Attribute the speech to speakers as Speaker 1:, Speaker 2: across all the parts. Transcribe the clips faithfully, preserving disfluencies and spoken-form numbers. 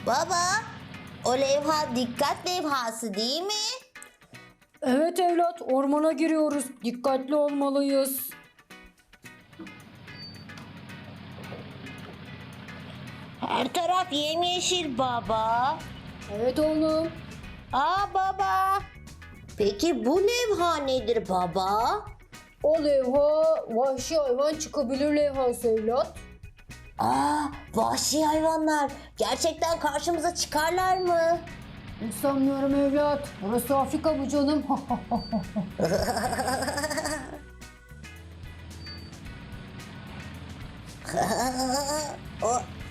Speaker 1: Baba, o levha dikkat levhası değil mi?
Speaker 2: Evet evlat, ormana giriyoruz. Dikkatli olmalıyız.
Speaker 1: Her taraf yemyeşil baba.
Speaker 2: Evet oğlum.
Speaker 1: Aa baba. Peki bu levha nedir baba?
Speaker 2: O levha vahşi hayvan çıkabilir levhası evlat.
Speaker 1: Aa, vahşi hayvanlar gerçekten karşımıza çıkarlar mı?
Speaker 2: Hiç sanmıyorum evlat. Burası Afrika mı canım?
Speaker 1: O...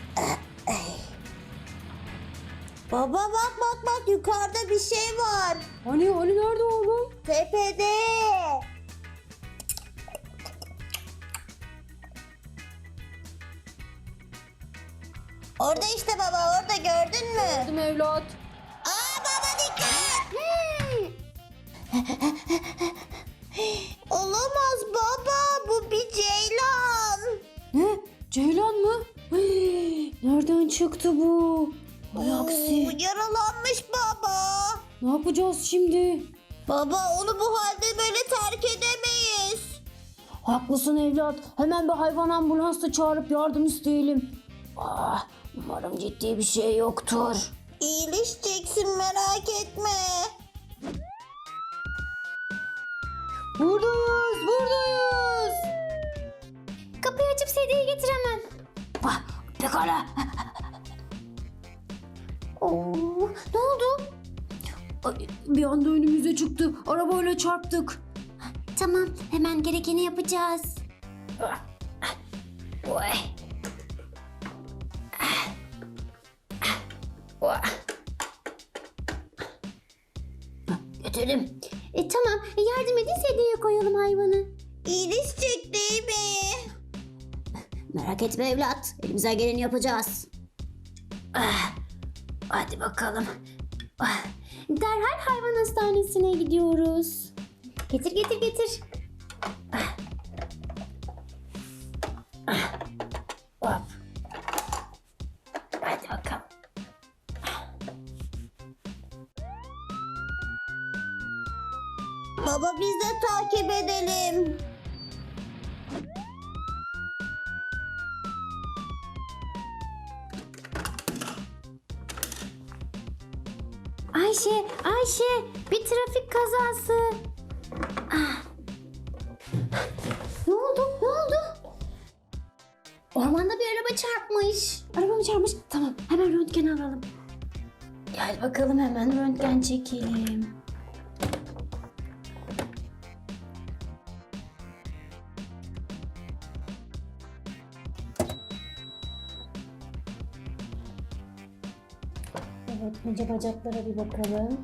Speaker 1: Baba bak bak bak yukarıda bir şey var.
Speaker 2: Hani hani nerede oğlum?
Speaker 1: Tepede. Orada işte baba orada gördün mü?
Speaker 2: Gördüm evlat.
Speaker 1: Aa baba dikkat. Olamaz baba bu bir ceylan.
Speaker 2: Ne? Ceylan mı? Hey, nereden çıktı bu? Ay
Speaker 1: Oo,
Speaker 2: aksi.
Speaker 1: yaralanmış baba.
Speaker 2: Ne yapacağız şimdi?
Speaker 1: Baba onu bu halde böyle terk edemeyiz.
Speaker 2: Haklısın evlat. Hemen bir hayvan ambulansı çağırıp yardım isteyelim. Ah, umarım ciddi bir şey yoktur.
Speaker 1: İyileşeceksin merak etme.
Speaker 2: Buradayız, buradayız.
Speaker 1: Kapıyı açıp sedyeyi getir hemen.
Speaker 2: Ah, pekala.
Speaker 1: Oo, ne oldu?
Speaker 2: Ay, bir anda önümüze çıktı. Arabayla çarptık.
Speaker 1: Tamam hemen gerekeni yapacağız.
Speaker 2: Oy. Oy. Götürdüm.
Speaker 1: E tamam yardım edin sedyeye koyalım hayvanı. İyileşecek değil mi?
Speaker 2: Merak etme evlat. Elimizden geleni yapacağız. Ah, hadi bakalım. Ah,
Speaker 1: Derhal hayvan hastanesine gidiyoruz. Getir getir getir.
Speaker 2: hop. Hadi bakalım.
Speaker 1: Baba biz de takip edelim. Ayşe, Ayşe bir trafik kazası. Ah. Ne oldu? Ne oldu? Ormanda bir araba çarpmış. Araba mı çarpmış? Tamam hemen röntgen alalım.
Speaker 2: Gel bakalım hemen röntgen çekelim. Evet, önce bacaklara bir bakalım.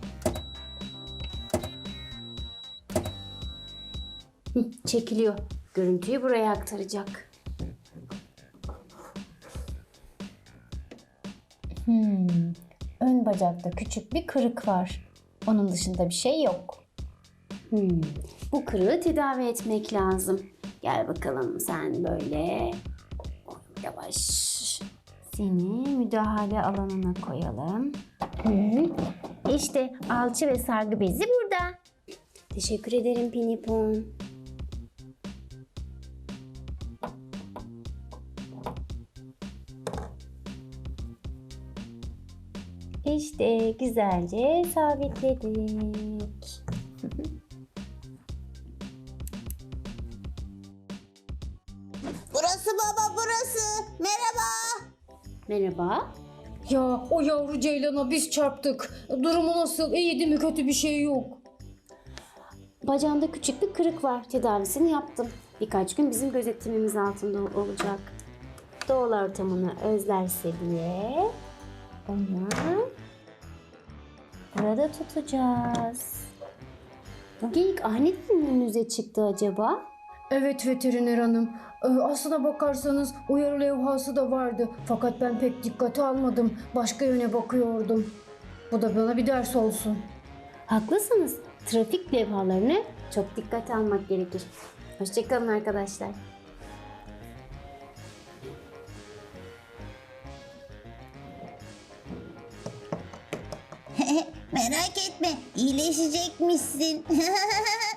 Speaker 2: Hı, çekiliyor. Görüntüyü buraya aktaracak.
Speaker 3: Hmm, ön bacakta küçük bir kırık var. Onun dışında bir şey yok.
Speaker 2: Hmm, bu kırığı tedavi etmek lazım. Gel bakalım sen böyle. Yavaş.
Speaker 3: Seni müdahale alanına koyalım. İşte alçı ve sargı bezi burada.
Speaker 2: Teşekkür ederim Pinipon.
Speaker 3: İşte güzelce sabitledik.
Speaker 1: Burası baba burası. Merhaba.
Speaker 2: Merhaba.
Speaker 4: Ya o yavru ceylana biz çarptık. Durumu nasıl? İyi değil mi? Kötü bir şey yok.
Speaker 2: Bacağında küçük bir kırık var. Tedavisini yaptım. Birkaç gün bizim gözetimimiz altında olacak. Doğal ortamını özlerse diye onu
Speaker 3: Burada tutacağız.
Speaker 2: bu geyik aniden mi önünüze çıktı acaba?
Speaker 4: Evet veteriner hanım. Ee, aslına bakarsanız uyarı levhası da vardı. Fakat ben pek dikkate almadım. Başka yöne bakıyordum. Bu da bana bir ders olsun.
Speaker 2: Haklısınız. Trafik levhalarını çok dikkate almak gerekir. Hoşçakalın arkadaşlar.
Speaker 1: Merak etme, iyileşecekmişsin.